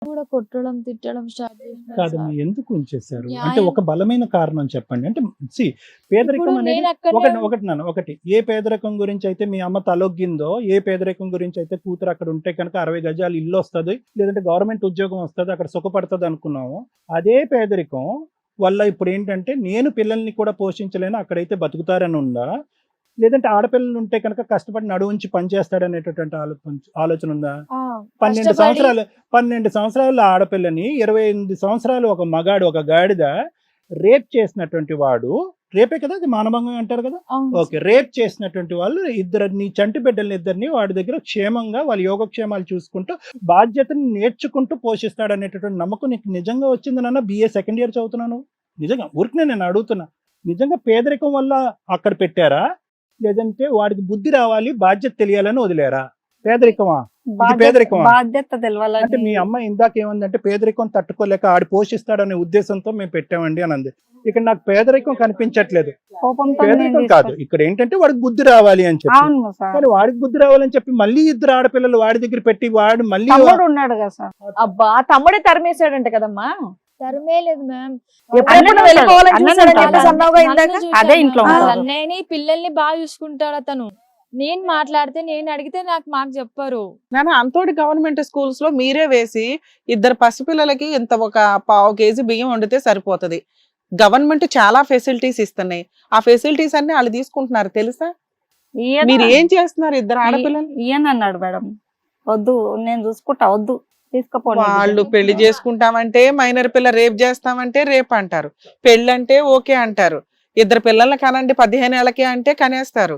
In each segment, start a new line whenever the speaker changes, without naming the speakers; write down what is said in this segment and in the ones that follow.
కూడా కొట్టడం, తిట్టడం స్టార్ట్ చేసినారు
కాదమ్మా,
సార్.
ఎందుకు ఉంచేశారు అంటే
న్యాయం
ఒక బలమైన కారణం చెప్పండి. అంటే
ఇప్పుడు
పేదరికం అనేది
నేను అక్కడనే
ఒకటి ఒకటి నాన్న ఒకటి, ఏ పేదరికం గురించి అయితే మీ అమ్మ తలొగ్గిందో, ఏ పేదరికం గురించి అయితే కూతురు అక్కడ ఉంటే కనుక 60 గజాలు ఇల్లు వస్తుంది, లేదంటే గవర్నమెంట్ ఉద్యోగం వస్తుంది, అక్కడ సుఖపడుతుంది అనుకున్నాము, అదే పేదరికం వల్ల ఇప్పుడు ఏంటంటే నేను పిల్లల్ని కూడా పోషించలేను, అక్కడైతే బతుకుతారని ఉందా, లేదంటే ఆడపిల్లలు ఉంటే కనుక కష్టపడి నడువుంచి పనిచేస్తాడనేటటువంటి ఆలోచన ఉందా?
ఆ,
12
కష్టపడి
సంవత్సరాలు 12 సంవత్సరాల ఆడపిల్లని 28 సంవత్సరాలు ఒక మగాడు, ఒక గాడిద రేప్ చేసినటువంటి వాడు, రేపే కదా అది మానభంగం అంటారు కదా,
అవును
ఓకే, రేప్ చేసినటువంటి వాళ్ళు ఇద్దరిని, చంటి బిడ్డల్ని ఇద్దరిని వాడి దగ్గర క్షేమంగా వాళ్ళ యోగక్షేమాలు చూసుకుంటూ బాధ్యతను నేర్చుకుంటూ పోషిస్తాడు అనేటటువంటి నమ్మకం నీకు నిజంగా వచ్చింది నాన్న? BA సెకండ్ ఇయర్ చదువుతున్నాను, నిజంగా ఊరికి నేను అడుగుతున్నా, నిజంగా పేదరికం వల్ల అక్కడ పెట్టారా, లేదంటే వాడికి బుద్ధి రావాలి బాధ్యత తెలియాలని వదిలేరా? పేదరికమా ఇది? పేదరికమా?
బాధ్యత
అంటే
తెలవాలని.
మీ అమ్మ ఇందాక ఏమందంటే పేదరికం తట్టుకోలేక ఆడి పోషిస్తాడనే ఉద్దేశంతో మేము పెట్టామండి అని అంది. ఇక్కడ నాకు పేదరికం కనిపించట్లేదు,
కోపంతో
పేదరికం కాదు, ఇక్కడ ఏంటంటే వాడికి బుద్ధి రావాలి అని చెప్పి.
అవును సార్.
కానీ వాడికి బుద్ధి రావాలని చెప్పి మళ్ళీ ఇద్దరు ఆడపిల్లలు వాడి దగ్గర పెట్టి వాడు మళ్ళీ
తమ్ముడు ఉన్నాడు కదా సార్.
అబ్బా తమ్ముడే తరిమేశాడంట కదమ్మా.
తరమే లేదు మ్యామ్.
ఎప్పుడెప్పుడు
అన్నను
వెళ్ళిపోవాలని
అన్నను
చూసాడని
ఉంటాడు.
చెప్పేసి అన్నావుగా ఇందాక.
అదే ఇంట్లో ఉంటాడు.
అన్నయ్యని పిల్లల్ని బాగా చూసుకుంటాడు అతను. నేను మాట్లాడితే, నేను అడిగితే మాకు చెప్పరు.
నాన్న అంతోటి గవర్నమెంట్ స్కూల్స్ లో మీరే వేసి ఇద్దరు పసిపిల్లలకి ఇంత ఒక పావు కేజీ బియ్యం వండితే సరిపోతది. గవర్నమెంట్ చాలా ఫెసిలిటీస్ ఇస్తున్నాయి, ఆ ఫెసిలిటీస్ అన్ని వాళ్ళు తీసుకుంటున్నారు తెలుసా? మీరు ఏం చేస్తున్నారు ఇద్దరు ఆడపిల్లలు?
ఈయన అన్నాడు మేడం, వద్దు నేను చూసుకుంటా, వద్దు తీసుకుపోండి.
వాళ్ళు పెళ్లి చేసుకుంటామంటే మైనర్ పిల్ల రేప్ చేస్తామంటే రేప్ అంటారు, పెళ్ళి అంటే ఓకే అంటారు, ఇద్దరు పిల్లల్ని కనండి 15 ఏళ్ళకి అంటే కనేస్తారు,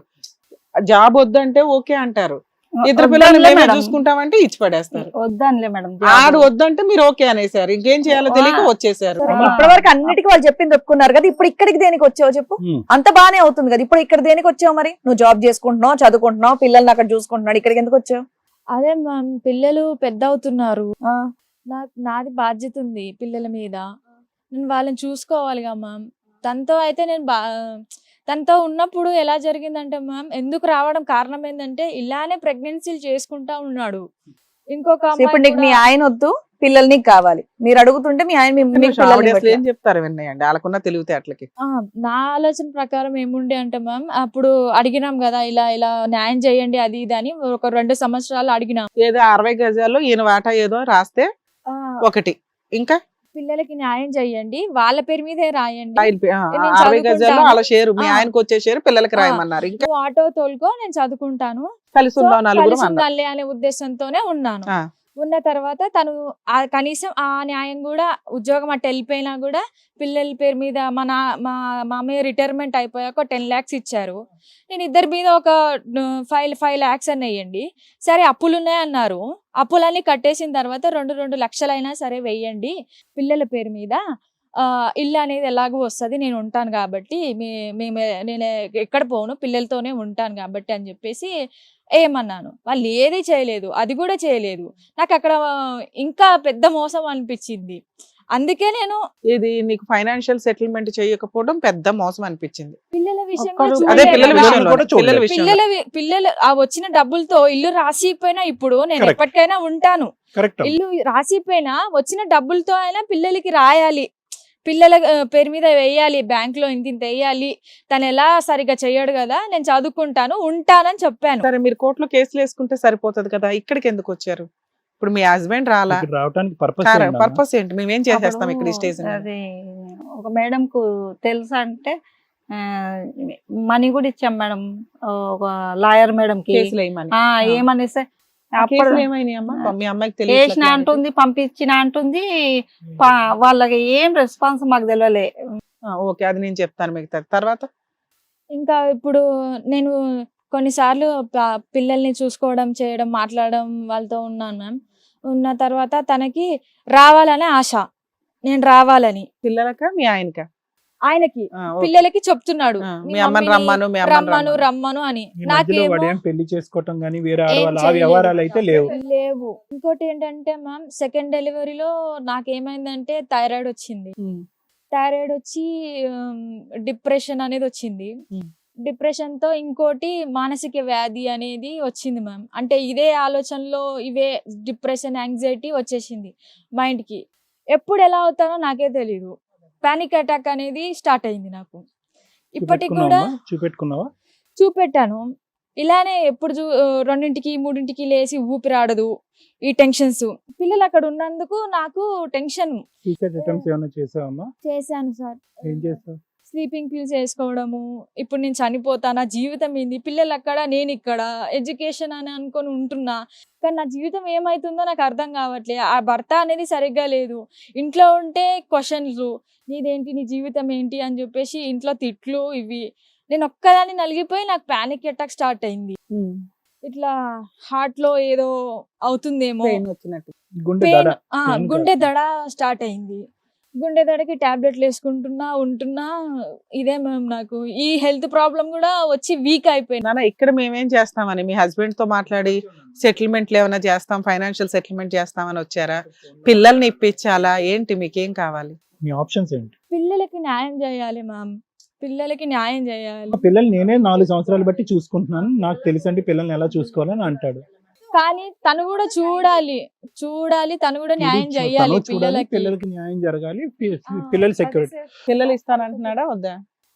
జాబ్ వద్దంటే ఓకే అంటారు, ఇద్దరు పిల్లల్ని మేమే చూసుకుంటామంటే ఇచ్చి పడేస్తారు.
వద్దనిలే మేడం.
ఆడు వద్దంటే మీరు ఓకే అనేసారు, ఇంకేం చేయాలో తెలియక వచ్చేసారు.
ఇప్పటి వరకు అన్నిటికీ వాళ్ళు చెప్పింది ఒప్పుకున్నారు కదా, ఇప్పుడు ఇక్కడికి దేనికి వచ్చావు చెప్పు?
ఉమ్.
అంత బానే అవుతుంది కదా, ఇప్పుడు ఇక్కడ దేనికి వచ్చావు మరి? నువ్వు జాబ్ చేసుకుంటున్నావు, చదువుకుంటున్నావు, పిల్లల్ని అక్కడ చూసుకుంటున్నాడు, ఇక్కడికి ఎందుకు వచ్చావు?
అదే మ్యామ్, పిల్లలు పెద్ద అవుతున్నారు, నాది బాధ్యత ఉంది పిల్లల మీద, నేను వాళ్ళని చూసుకోవాలిగా మ్యామ్. తనతో అయితే తనతో ఉన్నప్పుడు ఎలా జరిగిందంటే మ్యామ్, ఎందుకు రావడం కారణం ఏంటంటే ఇలానే ప్రెగ్నెన్సీలు చేసుకుంటా ఉన్నాడు. ఇంకొక
ఇప్పుడు నీకు మీ ఆయన వద్దు, పిల్లలు నీకు కావాలి, మీరు అడుగుతుంటే మీ ఆయన మీకు పిల్లల్ని
అసలు ఏం
పెట్టలేదు.
చెప్తారు విన్నాయండి వాళ్ళకున్న తెలివితేటలకి.
నా ఆలోచన ప్రకారం ఏముండే అంటే మ్యామ్, అప్పుడు అడిగినాం కదా ఇలా ఇలా న్యాయం చేయండి అది ఇది అని, ఒక 2 సంవత్సరాలు అడిగినాం.
ఏదో 60 గజాల్లో ఈయన వాటా ఏదో రాస్తే ఒకటి, ఇంకా
పిల్లలకి న్యాయం చేయండి, వాళ్ళ పేరు మీదే రాయండి,
60 గజాల్లో వాళ్ళ షేరు, మీ ఆయనకు వచ్చే షేరు పిల్లలకి రాయమన్నారు, ఇంకా
నువ్వు ఆటో తోలుకో, నేను చదువుకుంటాను,
కలిసి ఉందాం నలుగురు అన్నారు.
కలిసి అనే ఉద్దేశంతోనే ఉన్నాను.
ఆ.
ఉన్న తర్వాత తను కనీసం ఆ న్యాయం కూడా, ఉద్యోగం అట్ట వెళ్ళిపోయినా కూడా పిల్లల పేరు మీద మా మామయ్య రిటైర్మెంట్ అయిపోయాక 10 lakhs ఇచ్చారు. నేను ఇద్దరి మీద ఒక 5 lakhs అని వేయండి, సరే అప్పులు ఉన్నాయన్నారు, అప్పులన్నీ కట్టేసిన తర్వాత 2 లక్షలైనా సరే వేయండి పిల్లల పేరు మీద, ఇల్లు అనేది ఎలాగో వస్తుంది, నేను ఉంటాను కాబట్టి నేను ఎక్కడ పోను, పిల్లలతోనే ఉంటాను కాబట్టి అని చెప్పేసి ఏమన్నాను. వాళ్ళు ఏది చేయలేదు, అది కూడా చేయలేదు. నాకు అక్కడ ఇంకా పెద్ద మోసం అనిపించింది. అందుకే నేను
ఇది నీకు ఫైనాన్షియల్ సెటిల్మెంట్ చేయకపోవడం పెద్ద మోసం అనిపించింది.
పిల్లల విషయం
అదే పిల్లల
చూడలేదు.
విషయంలో,
కూడా చూడలేదు.
పిల్లల విషయంలో
పిల్లలు ఆ వచ్చిన డబ్బులతో ఇల్లు రాసిపోయినా, ఇప్పుడు నేను
Correct.
ఎప్పటికైనా ఉంటాను,
కరెక్ట్.
ఇల్లు రాసిపోయినా వచ్చిన డబ్బులతో అయినా పిల్లలకి రాయాలి, పిల్లల పేరు మీద వేయాలి, బ్యాంక్ లో ఇంత వేయాలి, తను ఎలా సరిగ్గా చెయ్యడు కదా, నేను చదువుకుంటాను ఉంటానని చెప్పాను.
సరే మీరు కోర్టులో కేసులు వేసుకుంటే సరిపోతది కదా, ఇక్కడికి ఎందుకు వచ్చారు? ఇప్పుడు మీ హస్బెండ్ రాలా,
ఇక్కడ రావడానికి పర్పస్
పర్పస్ ఏంటి? మేమేం చేసేస్తాం ఇక్కడ ఈ స్టేజ్ మీద?
అది ఒక మేడం కు తెలుసా అంటే మనీ కూడా ఇచ్చాం మేడం, ఒక లాయర్ మేడం కి.
కేసులు వేయమని.
ఏమనేసి
కేసులు ఏమైనాయి అమ్మా? మీ అమ్మాయికి
వేసిన
తెలియదు
అంటుంది, పంపించిన అంటుంది, వాళ్ళకి ఏం రెస్పాన్స్ మాకు తెలియలే.
ఓకే, అది నేను చెప్తాను మిగతా తర్వాత.
ఇంకా ఇప్పుడు నేను కొన్నిసార్లు పిల్లల్ని చూసుకోవడం, చేయడం, మాట్లాడడం వాళ్ళతో ఉన్నాను మ్యామ్. ఉన్న తర్వాత తనకి రావాలనే ఆశ, నేను రావాలని.
పిల్లలక మీ ఆయనక?
ఆయనకి
ఓకే.
పిల్లలకి చెప్తున్నాడు,
మీ అమ్మని రమ్మను, మీ అమ్మని
రమ్మను
రమ్మను.
రమ్మను అని.
ఈ మధ్యలో
నాకేమో
వాడేం పెళ్లి చేసుకోవటం గానీ వేరే
ఏం
ఆడవాళ్ళు ఆ
చేయలేదు.
వ్యవహారాలు అయితే లేవు.
లేవు. ఇంకోటి ఏంటంటే మ్యామ్, సెకండ్ డెలివరీలో నాకేమైందంటే థైరాయిడ్ వచ్చింది.
ఉమ్.
థైరాయిడ్ వచ్చి డిప్రెషన్ అనేది వచ్చింది. డిప్రెషన్ తో ఇంకోటి మానసిక వ్యాధి అనేది వచ్చింది మ్యామ్. అంటే ఇదే ఆలోచనలో ఇవే డిప్రెషన్, యాంగ్జైటీ వచ్చేసింది మైండ్ కి. ఎప్పుడు ఎలా అవుతానో నాకే తెలీదు. పానిక్ అటాక్ అనేది స్టార్ట్ అయింది నాకు. ఇప్పటికి కూడా
చూపెట్టుకున్నావా?
చూపెట్టాను. ఇలానే ఎప్పుడు 2ంటికి 3ంటికి లేసి ఊపిరాడదు, ఈ టెన్షన్స్. పిల్లలు అక్కడ ఉన్నందుకు నాకు టెన్షన్.
సూసైడ్ అటెంప్ట్స్ ఏమైనా చేసావమ్మా?
చేశాను సార్.
ఏం చేసావు?
స్లీపింగ్ పిల్స్ వేసుకోవడము, ఇప్పుడు నేను చనిపోతానా, జీవితం ఏంది, పిల్లలు అక్కడ నేను ఇక్కడ, ఎడ్యుకేషన్ అని అనుకొని ఉంటున్నా, కానీ నా జీవితం ఏమవుతుందో నాకు అర్థం కావట్లే. ఆ భర్త అనేది సరిగ్గా లేదు. ఇంట్లో ఉంటే క్వశ్చన్లు, నీదేంటి, నీ జీవితం ఏంటి అని చెప్పేసి ఇంట్లో తిట్లు ఇవి. నేను ఒక్కదాన్ని నలిగిపోయి నాకు పానిక్ అటాక్ స్టార్ట్ అయింది. ఇట్లా హార్ట్ లో ఏదో అవుతుందేమో,
పెయిన్ వచ్చినట్టు.
గుండె
పెయిన్,
దడ.
గుండె దడ స్టార్ట్ అయింది. గుండె దడకి టాబ్లెట్లు వేసుకుంటున్నా ఉంటున్నా. ఇదే మ్యామ్ నాకు ఈ హెల్త్ ప్రాబ్లం కూడా వచ్చి వీక్ అయిపోయింది.
నాన్న ఇక్కడ మేమేం చేస్తామని మీ హస్బెండ్ తో మాట్లాడి సెటిల్మెంట్లు ఏమైనా చేస్తాం, ఫైనాన్షియల్ సెటిల్మెంట్ చేస్తామని వచ్చారా? పిల్లల్ని ఇప్పించాలా ఏంటి, మీకేం కావాలి?
మీ ఆప్షన్స్ ఏంటి?
పిల్లలకి న్యాయం చేయాలి మ్యామ్, పిల్లలకి న్యాయం చేయాలి.
మా పిల్లల్ని నేనే 4 సంవత్సరాలు బట్టి చూసుకుంటున్నాను, నాకు తెలుసండి పిల్లల్ని ఎలా చూసుకోవాలని అంటాడు.
కానీ తను కూడా చూడాలి, తను కూడా న్యాయం చేయాలి
తను చూడాలి,
పిల్లలకి.
పిల్లలకి న్యాయం జరగాలి, పిల్లల సెక్యూరిటీ.
పిల్లలు ఇస్తానంటున్నాడా వద్దా?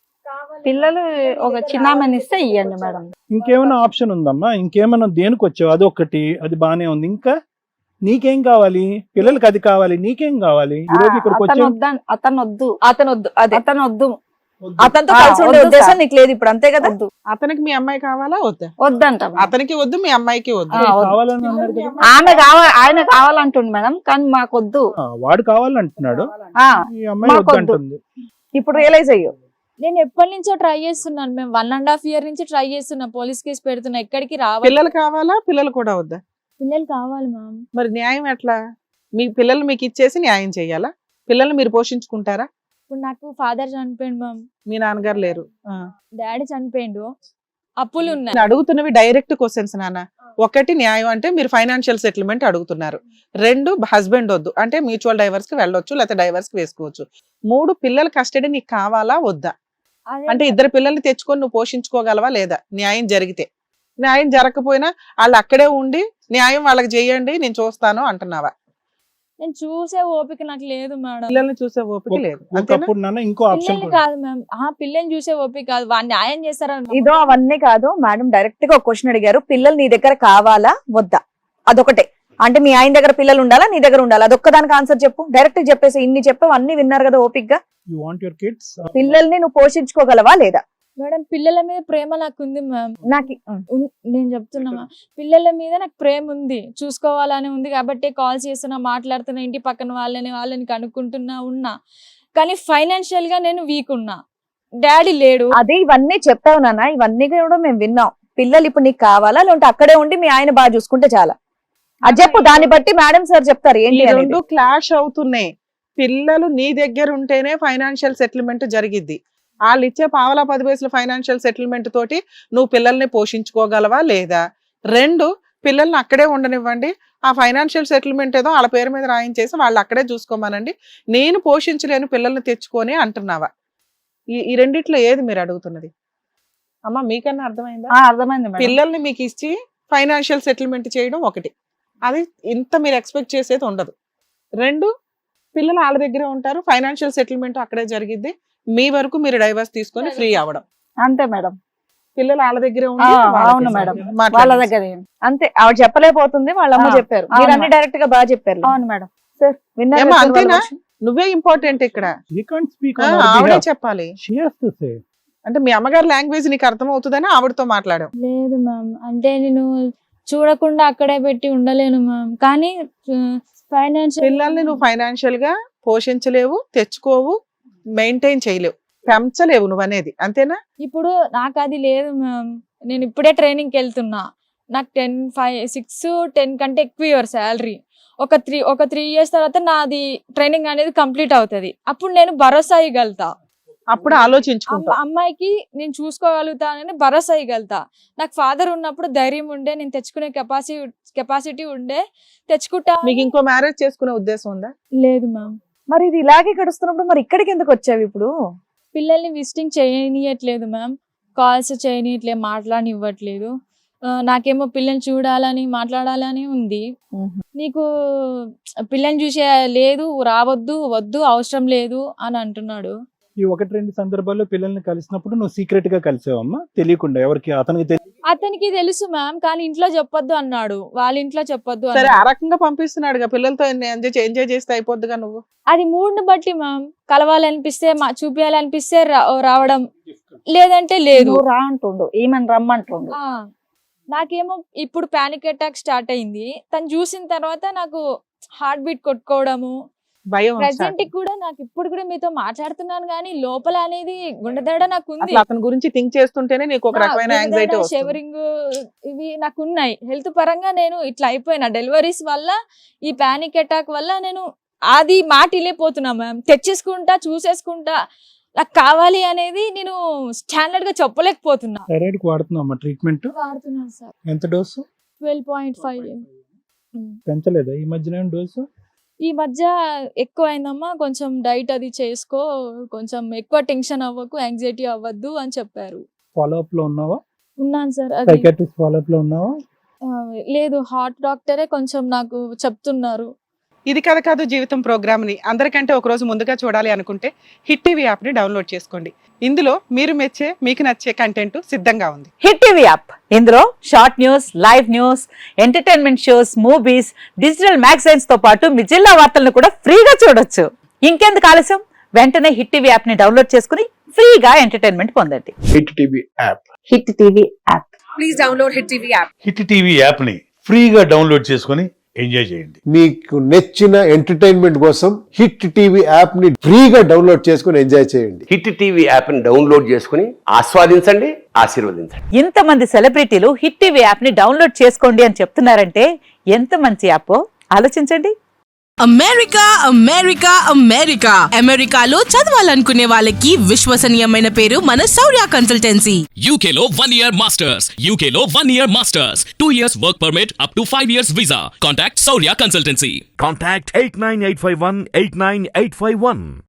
పిల్లలు ఒక చిన్నామని ఇస్తే ఇవ్వండి మేడం.
ఇంకేమైనా ఆప్షన్ ఉందమ్మా? ఇంకేమైనా దేనికి వచ్చావు? అదొకటి, అది బానే ఉంది. ఇంకా నీకేం కావాలి? పిల్లలకి అది కావాలి, నీకేం కావాలి? ఈ రోజు ఇక్కడికి
అతను
వచ్చావు.
వద్దా, అతను వద్దు,
అతను వద్దు, అదే
అతను వద్దు,
అతనితో
ఆ,
కలిసి ఉండే
వద్దు
ఉద్దేశం
సార్.
నీకు లేదు ఇప్పుడు, అంతే కదా?
వద్దు,
అతనికి మీ అమ్మాయి కావాలా వద్దా?
వద్దంట మేడం.
అతనికి వద్దు, మీ అమ్మాయికి వద్దు.
ఆ, వద్దు.
కావాలని అన్నారు కదా.
ఆమె కావాలి, ఆయన కావాలంటుంది మేడం, కానీ మాకు వద్దు.
వాడు కావాలంటున్నాడు,
ఆ,
ఈ అమ్మాయి
మాకు వద్దు.
వద్దంటుంది.
ఇప్పుడు రియలైజ్ అయ్యో.
నేను ఎప్పటి నుంచో ట్రై చేస్తున్నాను మేము, 1.5 year నుంచి ట్రై చేస్తున్నా, పోలీస్ కేసు పెడుతున్నా, ఎక్కడికి రావాలి.
పిల్లలు కావాలా, పిల్లలు కూడా వద్దా?
పిల్లలు కావాలి మ్యామ్.
మరి న్యాయం ఎట్లా? మీ పిల్లలు మీకు ఇచ్చేసి న్యాయం చేయాలా? పిల్లల్ని మీరు పోషించుకుంటారా?
ఇప్పుడు నాకు ఫాదర్ చనిపోయిండు మ్యామ్,
మీ నాన్నగారు లేరు.
డాడీ చనిపోయిండు, అప్పులు ఉన్నాయి.
నేను అడుగుతున్నవి డైరెక్ట్ క్వశ్చన్స్ నాన్న. ఒకటి న్యాయం అంటే మీరు ఫైనాన్షియల్ సెటిల్మెంట్ అడుగుతున్నారు. 2 హస్బెండ్ వద్దు అంటే మ్యూచువల్ డైవర్స్ కి వెళ్ళొచ్చు, లేకపోతే డైవర్స్ కి వేసుకోవచ్చు. 3 పిల్లల కస్టడీ నీకు కావాలా వద్దా?
అదే
అంటే 2 పిల్లల్ని తెచ్చుకొని నువ్వు పోషించుకోగలవా లేదా? న్యాయం జరిగితే. న్యాయం జరగకపోయినా వాళ్ళు అక్కడే ఉండి న్యాయం వాళ్ళకి చేయండి, నేను చూస్తాను అంటున్నావా?
నేను చూసే ఓపిక నాకు లేదు మేడం.
పిల్లల్ని చూసే ఓపిక లేదు అంతేనా?
ఒకప్పుడు నాన్న ఇంకో ఆప్షన్
పిల్లల్ని కాదు మ్యామ్, పిల్లల్ని చూసే ఓపిక కాదు, వాడిని న్యాయం చేస్తారని
ఇదో అవన్నీ కాదు మేడం, డైరెక్ట్ గా ఒక క్వశ్చన్ అడిగారు, పిల్లలు నీ దగ్గర కావాలా వద్దా, అదొకటే. అంటే మీ ఆయన దగ్గర పిల్లలు ఉండాలా, నీ దగ్గర ఉండాలా, అదొక్క దానికి ఆన్సర్ చెప్పు. డైరెక్ట్ చెప్పేసి ఇన్ని చెప్పావు, అన్ని విన్నారు కదా ఓపిక్ గా.
You want your kids.
పిల్లల్ని నువ్వు పోషించుకోగలవా లేదా?
మేడం పిల్లల మీద ప్రేమ నాకు ఉంది మ్యామ్.
నాకు
నేను చెప్తున్నా పిల్లల మీద నాకు ప్రేమ ఉంది, చూసుకోవాలని ఉంది కాబట్టి కాల్ చేస్తున్నా, మాట్లాడుతున్నా, ఇంటి పక్కన వాళ్ళని కనుక్కుంటున్నా ఉన్నా. కానీ ఫైనాన్షియల్ గా నేను వీక్ ఉన్నా, డాడీ లేడు.
అదే ఇవన్నీ చెప్పావు నాన్న, ఇవన్నీ కూడా మేము విన్నాం. పిల్లలు ఇప్పుడు నీకు కావాలా, లేదంటే అక్కడే ఉండి మీ ఆయన బాగా చూసుకుంటే చాలా? అది చెప్పు, దాన్ని బట్టి మేడం సార్ చెప్తారు
ఈ
ఏంటి అనేది.
2 క్లాష్ అవుతున్నాయి. పిల్లలు నీ దగ్గర ఉంటేనే ఫైనాన్షియల్ సెటిల్మెంట్ జరిగిద్ది. వాళ్ళు ఇచ్చే పావలా 10 పైసలు ఫైనాన్షియల్ సెటిల్మెంట్ తోటి నువ్వు పిల్లల్ని పోషించుకోగలవా లేదా? 2 పిల్లల్ని అక్కడే ఉండనివ్వండి, ఆ ఫైనాన్షియల్ సెటిల్మెంట్ ఏదో వాళ్ళ పేరు మీద రాయించేసి వాళ్ళు అక్కడే చూసుకోమనండి, నేను పోషించలేను పిల్లల్ని తెచ్చుకొని అంటున్నావా? ఈ రెండిట్లో ఏది మీరు అడుగుతున్నది? అమ్మా మీకన్నా అర్థమైందా?
అర్థమైంది మేడం.
పిల్లల్ని మీకు ఇచ్చి ఫైనాన్షియల్ సెటిల్మెంట్ చేయడం ఒకటి, అది ఇంత మీరు ఎక్స్పెక్ట్ చేసేది ఉండదు. 2 పిల్లలు వాళ్ళ దగ్గరే ఉంటారు, ఫైనాన్షియల్ సెటిల్మెంట్ అక్కడే జరిగిద్ది, మీ వరకు మీరు డైవర్స్ తీసుకొని ఫ్రీ అవ్వడం.
అంతే మేడం.
పిల్లలు వాళ్ళ దగ్గరే ఉండి
అవును మేడం, వాళ్ళ
మాట్లాడండి.
దగ్గర
అంతే, ఆవిడ చెప్పలేకపోతుంది, వాళ్ళ అమ్మ చెప్పారు, మీరు అన్ని డైరెక్ట్ గా బాగా చెప్పారు.
అవును మేడం.
సార్ విన్నారు
ఏమ్మా,
కదా వాళ్ళ
అంతేనా?
version?
నువ్వే ఇంపార్టెంట్ ఇక్కడ.
He can't speak on
ఆ,
our
ఆవిడే
behalf.
చెప్పాలి.
She has to say.
అంటే మీ అమ్మగారి లాంగ్వేజ్ నీకు అర్థం అవుతుందని ఆవిడతో మాట్లాడాం.
లేదు మ్యామ్, అంటే నేను చూడకుండా అక్కడే పెట్టి ఉండలేను మ్యామ్. కానీ ఫైనాన్షియల్
పిల్లల్ని నువ్వు ఫైనాన్షియల్ గా పోషించలేవు, తెచ్చుకోవు, మెయింటైన్ చేయలేవు, పెంచలేవు నువ్వు అనేది అంతేనా?
ఇప్పుడు నాకు అది లేదు మ్యామ్. నేను ఇప్పుడే ట్రైనింగ్కి వెళ్తున్నా, నాకు 10 కంటే ఎక్కువ ఇవ్వరు శాలరీ. ఒక 3 years తర్వాత నాది ట్రైనింగ్ అనేది కంప్లీట్ అవుతుంది, అప్పుడు నేను భరోసా ఇవ్వగలుగుతా.
అప్పుడు ఆలోచించుకుంటా.
అమ్మాయికి నేను చూసుకోగలుగుతానని భరోసా ఇవ్వగలుగుతా. నాకు ఫాదర్ ఉన్నప్పుడు ధైర్యం ఉండే, నేను తెచ్చుకునే కెపాసిటీ ఉండే, తెచ్చుకుంటా.
మీకు ఇంకో మ్యారేజ్ చేసుకునే ఉద్దేశం ఉందా?
లేదు మ్యామ్.
మరి ఇది ఇలాగే గడుస్తున్నప్పుడు మరి ఇక్కడికి ఎందుకు వచ్చావు ఇప్పుడు?
పిల్లల్ని విజిటింగ్ చేయనియట్లేదు మ్యామ్. కాల్స్ చేయనిట్లే మాట్లాడనివ్వట్లేదు. నాకేమో పిల్లని చూడాలని మాట్లాడాలని ఉంది. నీకు పిల్లని చూసే లేదు, రావద్దు, వద్దు, అవసరం లేదు అని అంటున్నాడు.
ఈ 1-2 సందర్భాల్లో పిల్లల్ని కలిసినప్పుడు నువ్వు సీక్రెట్ గా కలిసావమ్మా, తెలియకుండా ఎవరికి?
అతనికి తెలుసు మ్యామ్, కానీ ఇంట్లో చెప్పొద్దు అన్నాడు. వాళ్ళ ఇంట్లో చెప్పొద్దు
సరే, ఆ
అన్నాడు.
రకంగా పంపిస్తున్నాడుగా, పిల్లలతో ఎంజాయ్ చేస్తే అయిపోద్దిగా నువ్వు.
అది మూడ్ని బట్టి మ్యామ్. కలవాలనిపిస్తే చూపించాలనిపిస్తే రావడం, లేదంటే లేదు.
నువ్వు రా అంటుండు, ఈమెను రమ్మంటుండు.
ఆ, నాకేమో ఇప్పుడు పానిక్ అటాక్ స్టార్ట్ అయింది. తను చూసిన తర్వాత నాకు హార్ట్ బీట్ కొట్టుకోవడము,
భయం
ప్రెసెంట్ కూడా నాకు ఇప్పుడు కూడా మీతో మాట్లాడుతున్నాను కానీ లోపల అనేది గుండెదడ నాకు ఉంది.
అసలు అతని గురించి థింక్ చేస్తుంటేనే నీకు ఒక రకమైన యాంగ్జైటీ వస్తుంది.
షివరింగ్ ఇవి నాకు ఉన్నాయి. హెల్త్ పరంగా నేను ఇట్లా అయిపోయినా డెలివరీస్ వల్ల, ఈ పానిక్ అటాక్ వల్ల నేను అది మాట వెళ్ళిపోతున్నా మ్యామ్. తెచ్చేసుకుంటా, చూసేసుకుంటా, నాకు కావాలి అనేది నేను స్టాండర్డ్ గా చెప్పలేకపోతున్నా.
థైరాయిడ్ వాడుతున్నావమ్మా ట్రీట్మెంట్?
వాడుతున్నాను సార్.
ఎంత డోసు?
12.5.
పెంచలేదా ఈ మధ్యన డోసు?
ఈ మధ్య ఎక్కువ అయిందమ్మా, కొంచెం డైట్ అది చేసుకో, కొంచెం ఎక్కువ టెన్షన్ అవ్వకు, యాంగ్జైటీ అవ్వద్దు అని చెప్పారు.
ఫాలో అప్ లో ఉన్నావా?
ఉన్నాను సార్. అది
సైకాట్రిస్ట్ ఫాలో అప్ లో ఉన్నావా?
లేదు, హార్ట్ డాక్టరే కొంచెం నాకు చెప్తున్నారు.
ఇది కథ కాదు జీవితం ప్రోగ్రామ్ ని అందరికంటే ఒక రోజు ముందుగా చూడాలి అనుకుంటే హిట్ టీవీ యాప్ ని డౌన్లోడ్ చేసుకోండి. ఇందులో మీరు మెచ్చే, మీకు నచ్చే కంటెంట్ సిద్ధంగా ఉంది.
హిట్ టీవీ యాప్, ఇందులో short news, live news, entertainment shows, movies, digital magazines తో పాటు మీ జిల్లా వార్తలను కూడా ఫ్రీగా చూడొచ్చు. ఇంకెందుకు ఆలస్యం, వెంటనే హిట్ టీవీ యాప్ ని డౌన్లోడ్ చేసుకుని ఫ్రీగా ఎంటర్టైన్మెంట్ పొందండి.
Hit TV app.
Hit TV app.
Please download hit TV app.
Hit TV యాప్ని ఫ్రీగా డౌన్లోడ్ చేసుకొని ఎంజాయ్ చేయండి.
మీకు నచ్చిన ఎంటర్టైన్మెంట్ కోసం హిట్ టీవీ యాప్ ని ఫ్రీగా డౌన్లోడ్ చేసుకుని ఎంజాయ్ చేయండి.
హిట్ టీవీ యాప్ ని డౌన్లోడ్ చేసుకుని ఆస్వాదించండి, ఆశీర్వదించండి.
ఇంతమంది సెలబ్రిటీలు హిట్ టీవీ యాప్ ని డౌన్లోడ్ చేసుకోండి అని చెప్తున్నారంటే ఎంత మంచి యాప్ ఆలోచించండి.
అమెరికా అమెరికా అమెరికా అమెరికాలో చదవాలనుకునే వాళ్ళకి విశ్వసనీయమైన పేరు మన శౌర్య కన్సల్టెన్సీ.
UK లో 1 year masters. UK లో 1 year masters. 2 years work permit up to 5 years visa. Contact Saurya Consultancy.
Contact 89851 89851.